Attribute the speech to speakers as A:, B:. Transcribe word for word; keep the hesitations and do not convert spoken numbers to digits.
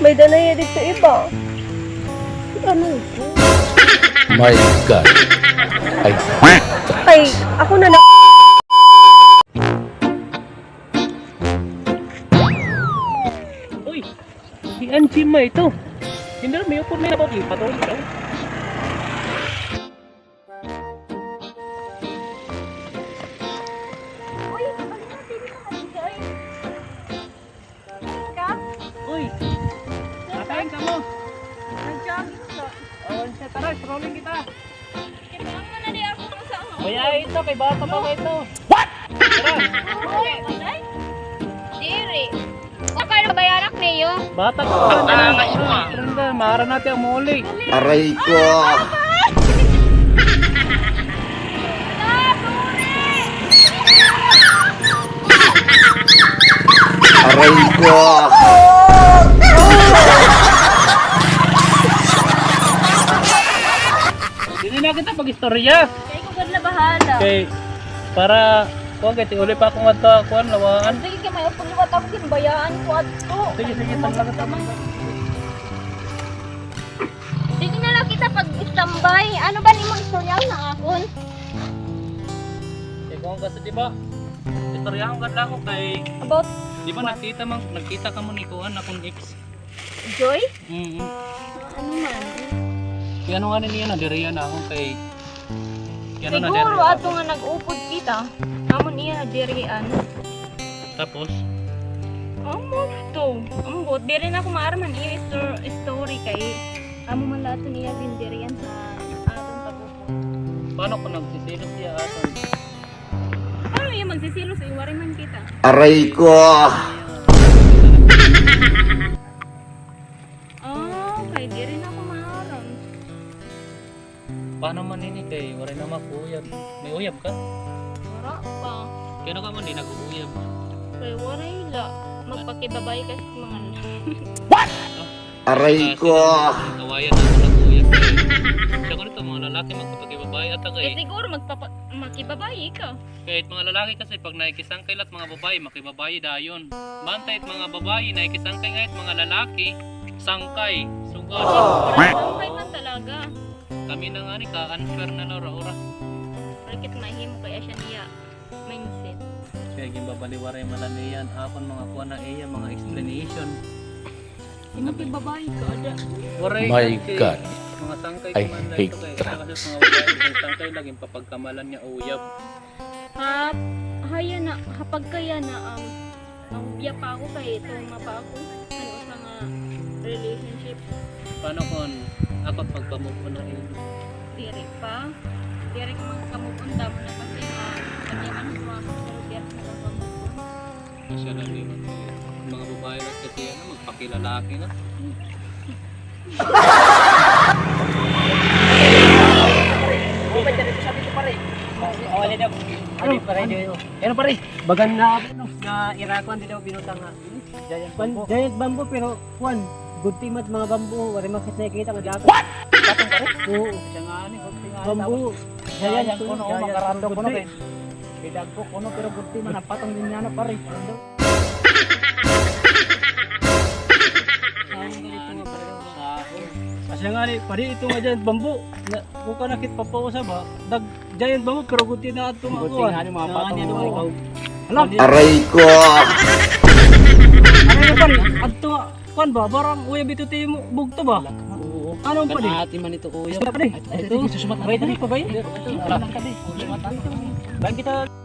A: May danay dito iba. Ano ito?
B: My God. Ay,
A: Ay, ako na na...
C: Uy, si Anjima ito. Hindi na may upod may napot. Patulog ka.
A: Uy, balik natin yung mga Joy. Ka?
C: Uy, nakain ka mo.
A: Nag-jogging ka.
C: Awan siya, tara, strolling kita.
A: Kailangan mo na di ako kasama.
C: Kaya ito, kay bata pa ba ito? What? Tara.
A: Uy, ay? Diri. Huwag kayo bayarak niyo.
C: Bata pa ba na? Tara, maara natin ang muli.
B: aray ko. Aray ko.
C: Hindi na kita pag-istorya.
A: Kaya ko ganda bahala.
C: Okay, para kuha kaya uli pa akong ato kuhan lawaan.
A: Sige ka may pagliwat ako kinbayaan ko ato.
C: Sige, sige, talaga tama.
A: Sige na lang kita pag-istambay. Ano ba ni mong istorya na akon?
C: Eh kung kasi di ba? Istorya akong ganda ko kay
A: About
C: di ba nakita man nakita ka mo ni kuhan akong ex.
A: Joy?
C: Mhm.
A: Ano man?
C: Kaya ano nga niya na diriya na ako kay kaya ano na
A: Siguro
C: diriya
A: ato nga nag-upod kita. Amon iya na dirian.
C: tapos
A: Amo to. Amo diri na ko maarman iya stor- story kay amo man lahat niya din dirian sa atong pag-upod.
C: paano ko nagsisilos siya aton?
A: Ano iya magsisilos ay wari man kita.
B: Aray ko.
A: Oh, kay diri na ko maaram.
C: Paano man ini kay wala na makuyab. May uyab ka?
A: Wala pa.
C: Kaya ano ka man di nag-uuyab.
A: Kay wala ila magpakibabay kasi mga
B: Aray ko.
C: Kawayan na ako nag-uuyab. Siya ko nito mga lalaki magpapagibabay at
A: Eh
C: kay
A: siguro magpapa makibabay ka.
C: kahit mga lalaki kasi pag nakikisangkay lahat mga babae makibabayi dayon. Bantay at mga babae nakikisangkay ngayon mga lalaki sangkay sugod.
A: Sangkay man talaga.
C: Kami na nga ni ka-unfair na Laura ora.
A: Bakit mahimo kaya siya niya mindset.
C: Kaya gimbabaliwaray malaniyan akon mga kuha na iya mga explanation.
A: Makibabay ka ada.
C: Waray
B: My
C: kasi
B: God.
C: mga sangkay
B: I
C: kuman lang
B: hate
C: ito kay
B: trap.
C: kasi mga babae mga sangkay laging papagkamalan niya uyab.
A: Ha haya na kapag kaya na um ang biya pa ako kay tuma pa ako. Ano sa nga relationship
C: Paano kung ako pagpamove ko na iyo?
A: diri pa. Diri ka mga kamupunda mo na kasi nga kanya man ko ako pero diri na lang kamupunda.
C: Kasi alam niyo mga babae lang kasi ano magpakilalaki na.
D: Awali daw. Ano pare daw. Ano pare? Bagan na ano na irakuan din daw binutang nga. Giant bamboo. Giant bamboo pero kuan good team at mga bamboo wala makit nakikita nga dagat. What? Patong pare? Oo. Siya nga ni good team nga. Bamboo. Giant kuno makarando kuno kay. Bidag ko kuno pero good team na patong din niya na pare. Ano? Kasi nga ni, pari ito nga giant bamboo. Na, kung ka nakit papausa ba, dag giant bamboo pero guti na ito mga kuha. Guti nga ni mga patong mga ikaw. Alam,
B: Aray ko.
D: ano yung pari? Adto nga, kuhan ba? Barang uyab ito tayo mo, bugto ba? Oo. Ano pa di?
C: Ati man ito uyab.
D: Ito pa di? Ito, susumat. Wait, ano pa ba yun? Ito, lang ka di. Susumat. Bayan kita.